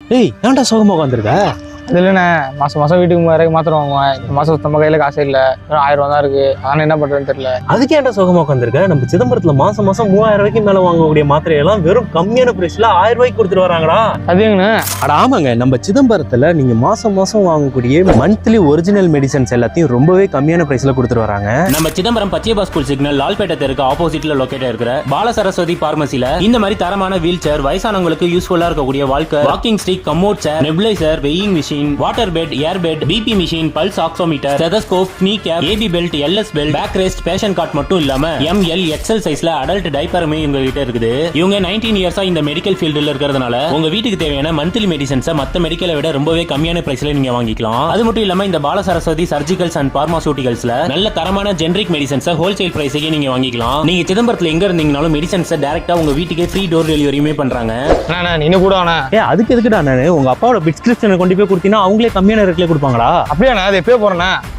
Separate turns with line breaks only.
ஏய் ஏன்டா சோகமா உட்காந்துருக்க?
அது இல்லைண்ணே, மாதம் வீட்டுக்கு 3000 மாத்திரம் வாங்குவேன். இந்த மாதம் நம்ம கையில் காசே இல்லை, வெறும் 1000 தான் இருக்குது. ஆனால் என்ன பண்ணுறதுன்னு தெரியல.
அதுக்கு ஏன்டா சோகமா உட்காந்துருக்க? நம்ம சிதம்பரத்துல மாசம் 3000 ரூபாய்க்கு மேல வாங்கக்கூடிய மாத்திரையெல்லாம் வெறும் கம்மியான பிரைஸ்ல 1000 ரூபாய்க்கு கொடுத்துட்டு வராங்கடா.
அதுங்கண்ணே.
அட ஆமாங்க, நம்ம சிதம்பரத்துல நீங்க மாசம் வாங்கக்கூடிய மந்த்லி ஒரிஜினல் மெடிசன்ஸ் எல்லாத்தையும் ரொம்பவே கம்மியான பிரைஸ்ல கொடுத்துட்டு வராங்க.
நம்ம சிதம்பரம் பச்சையப்பா ஸ்கூல் சிக்னல் லால்பேட்டை தெருக்கு ஆப்போசிட்ல லொகேட் இருக்கிற பால சரஸ்வதி பார்மசில இந்த மாதிரி தரமான வீல் சேர், வயசானவங்களுக்கு யூஸ்ஃபுல்லா இருக்கக்கூடிய walker, walking stick, commode chair, nebulizer, weighing machine, water bed, air bed, BP machine, pulse oximeter, stethoscope, knee cap, AB belt, LS belt, back rest, பேஷன் கார்ட் மட்டும் இல்லாம எம்எல் எக்ஸ்எல் சைஸ்ல அடல்ட் டைப்பருமே இவங்க கிட்ட இருக்குது. இவங்க 19 இயர்ஸா இந்த மெடிக்கல் ஃபீல்டுல இருக்கிறதுனால உங்க வீட்டுக்கு தேவையான மந்த்லி மெடிசன்ஸை மத்த மெடிக்கலை விட ரொம்பவே கம்மியான பிரைஸ்ல நீங்க வாங்கிக்கலாம். அது மட்டும் இல்லாம இந்த பால சரஸ்வதி சர்ஜிக்கல்ஸ் அண்ட் பார்மாசூட்டிகல்ஸ்ல நல்ல தரமான ஜெனரிக் மெடிசன்ஸை ஹோல்சேல் பிரைஸுக்கு நீங்க வாங்கிக்கலாம். நீங்க சிதம்பரத்துல எங்க இருந்தீங்கனாலும் மெடிசன்ஸை டைரக்டா உங்க வீட்டுக்கே ஃப்ரீ டோர் டெலிவரியுமே பண்றாங்க.
நீ கூட ஆனா
அதுக்கு எதுக்குடா நானு உங்க அப்பாவோட பிரிஸ்கிரிப்ஷனை கொண்டு போய் கொடுத்தீங்கன்னா அவங்களே கம்மியான ரேட்ல கொடுப்பாங்களா?
அப்படியா? நான் அது எப்பயோ போறேன்னா